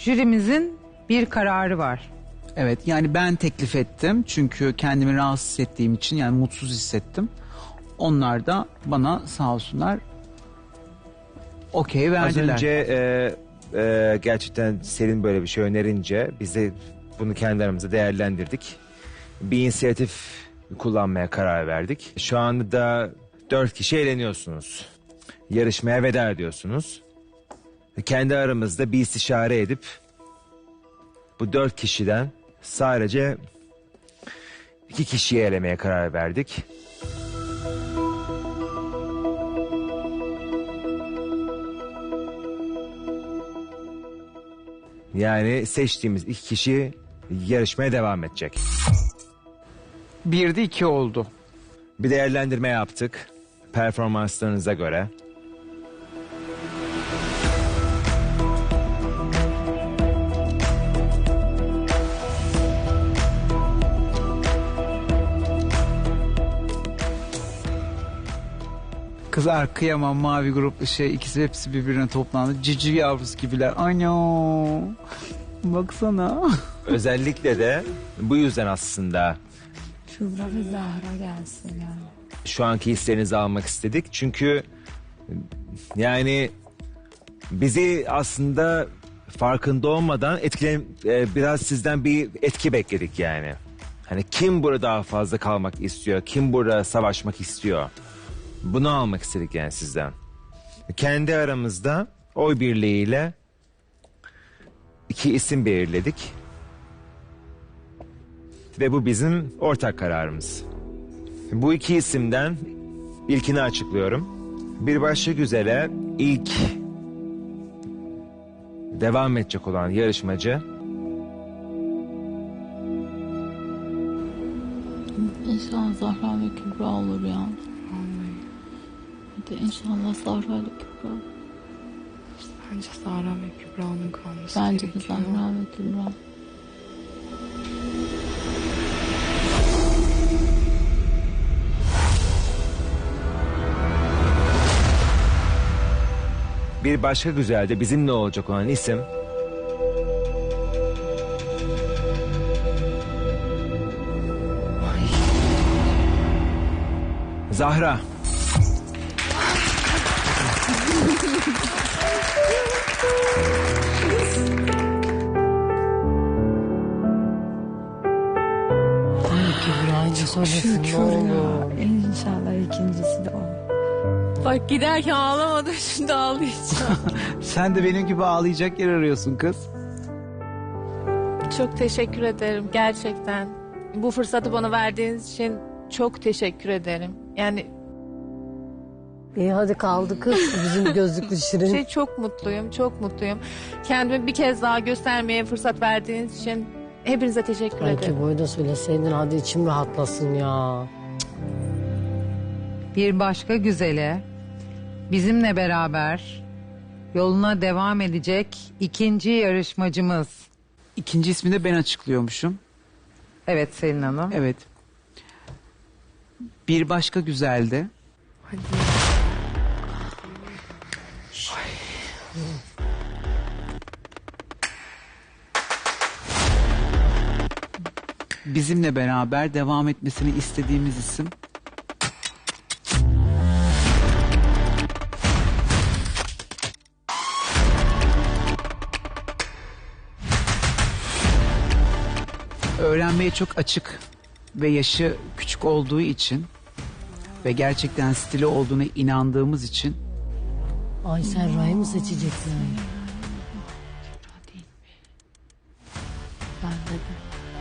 jürimizin bir kararı var. Evet, yani ben teklif ettim çünkü kendimi rahatsız hissettiğim için, yani mutsuz hissettim. Onlar da bana sağ olsunlar okey verdiler. Az önce gerçekten Selin böyle bir şey önerince biz de bunu kendi aramızda değerlendirdik. Bir inisiyatif kullanmaya karar verdik. Şu anda da 4 kişi eğleniyorsunuz. Yarışmaya veda ediyorsunuz. Kendi aramızda bir istişare edip bu 4 kişiden sadece 2 kişiyi elemeye karar verdik. Yani seçtiğimiz 2 kişi yarışmaya devam edecek. 1'de 2 oldu. Bir değerlendirme yaptık performanslarınıza göre. Kızlar kıyamam, mavi grup ikisi hepsi birbirine toplandı. Cici yavrusu gibiler. Ano. Baksana. Özellikle de bu yüzden aslında Kübra ve Zahra gelsin yani. şu anki hislerinizi almak istedik. Çünkü yani bizi aslında farkında olmadan biraz sizden bir etki bekledik yani. Hani kim burada daha fazla kalmak istiyor, kim burada savaşmak istiyor. Bunu almak istedik yani sizden. Kendi aramızda oy birliğiyle 2 isim belirledik. Ve bu bizim ortak kararımız. Bu 2 isimden ilkini açıklıyorum. Bir başka güzele ilk devam edecek olan yarışmacı İnşallah Zahra ve Kübra olur ya. Hadi inşallah Zahra ile Kübra. Bence Zahra ve Kübra'nın kalması Bence de gerekiyor. Zahra ve Kübra. bir başka güzelde bizimle olacak olan isim Zahra. İnşallah ikincisi de o. Bak giderken ağlamadım, şimdi ağlayacağım. Sen de benim gibi ağlayacak yer arıyorsun kız. Çok teşekkür ederim gerçekten. Bu fırsatı bana verdiğiniz için çok teşekkür ederim. Yani İyi hadi kaldı kız bizim gözlüklü şirin. çok mutluyum, çok mutluyum. Kendimi bir kez daha göstermeye fırsat verdiğiniz için hepinize teşekkür ederim. Belki boyu da söyleseydin hadi içim rahatlasın ya. Bir başka güzele bizimle beraber yoluna devam edecek ikinci yarışmacımız. İkinci ismini de ben açıklıyormuşum. Evet Selin Hanım. Evet. Bir başka güzeldi. Hadi. Bizimle beraber devam etmesini istediğimiz isim. Öğrenmeye çok açık ve yaşı küçük olduğu için ve gerçekten stili olduğuna inandığımız için Ay Serra'yı mı seçeceksin? Ben de.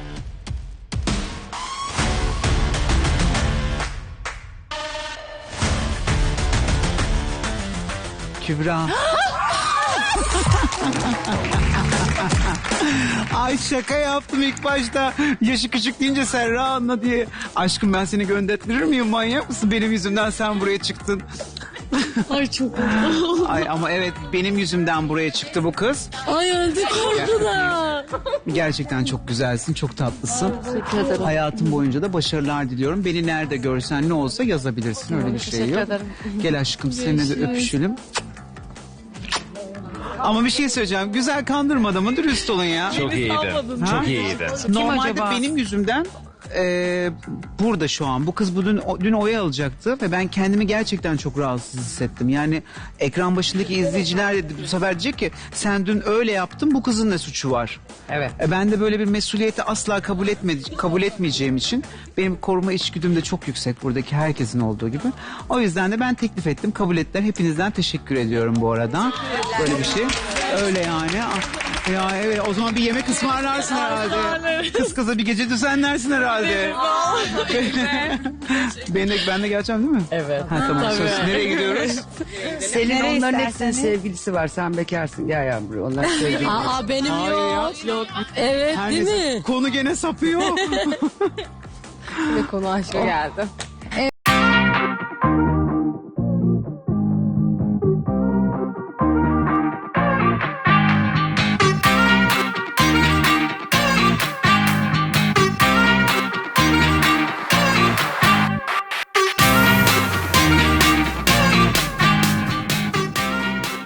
Kübra. Ay şaka yaptım ilk başta. Yaşı küçük deyince Serra anla diye. Aşkım ben seni gönderttirir miyim, manyak mısın? Benim yüzümden sen buraya çıktın. Ay çok Ay ama evet benim yüzümden buraya çıktı bu kız. Ay öldü korkudan. Gerçekten çok güzelsin, çok tatlısın. Teşekkür ederim. Hayatım boyunca da başarılar diliyorum. Beni nerede görsen ne olsa yazabilirsin, öyle bir şey Teşekkür yok. ederim. Gel aşkım seninle de öpüşelim. Ama bir şey söyleyeceğim. Güzel kandırmadı mı? Dürüst olun ya. Çok iyiydi. Ha? Çok iyiydi. Normalde acaba? benim yüzümden burada şu an. Bu kız dün oy alacaktı ve ben kendimi gerçekten çok rahatsız hissettim. Yani ekran başındaki izleyiciler de bu sefer diyecek ki sen dün öyle yaptın, bu kızın ne suçu var? Evet. Ben de böyle bir mesuliyeti asla kabul etmeyeceğim için benim koruma içgüdüm de çok yüksek buradaki herkesin olduğu gibi. O yüzden de ben teklif ettim, kabul ettiler. Hepinizden teşekkür ediyorum bu arada. Böyle bir şey. Öyle yani. Ya evet, o zaman bir yemek ısmarlarsın herhalde. Kız kıza bir gece düzenlersin herhalde. ben de geleceğim değil mi? Evet. Ha, tamam. Söz. Nereye gidiyoruz? Selin onların hepsinin sevgilisi var. Sen bekarsın. Gel yavrum buraya. Onlar sevgili. Aa benim Hayır yok. Evet Her değil neyse, mi? konu gene sapıyor. Ve konu aşka geldi.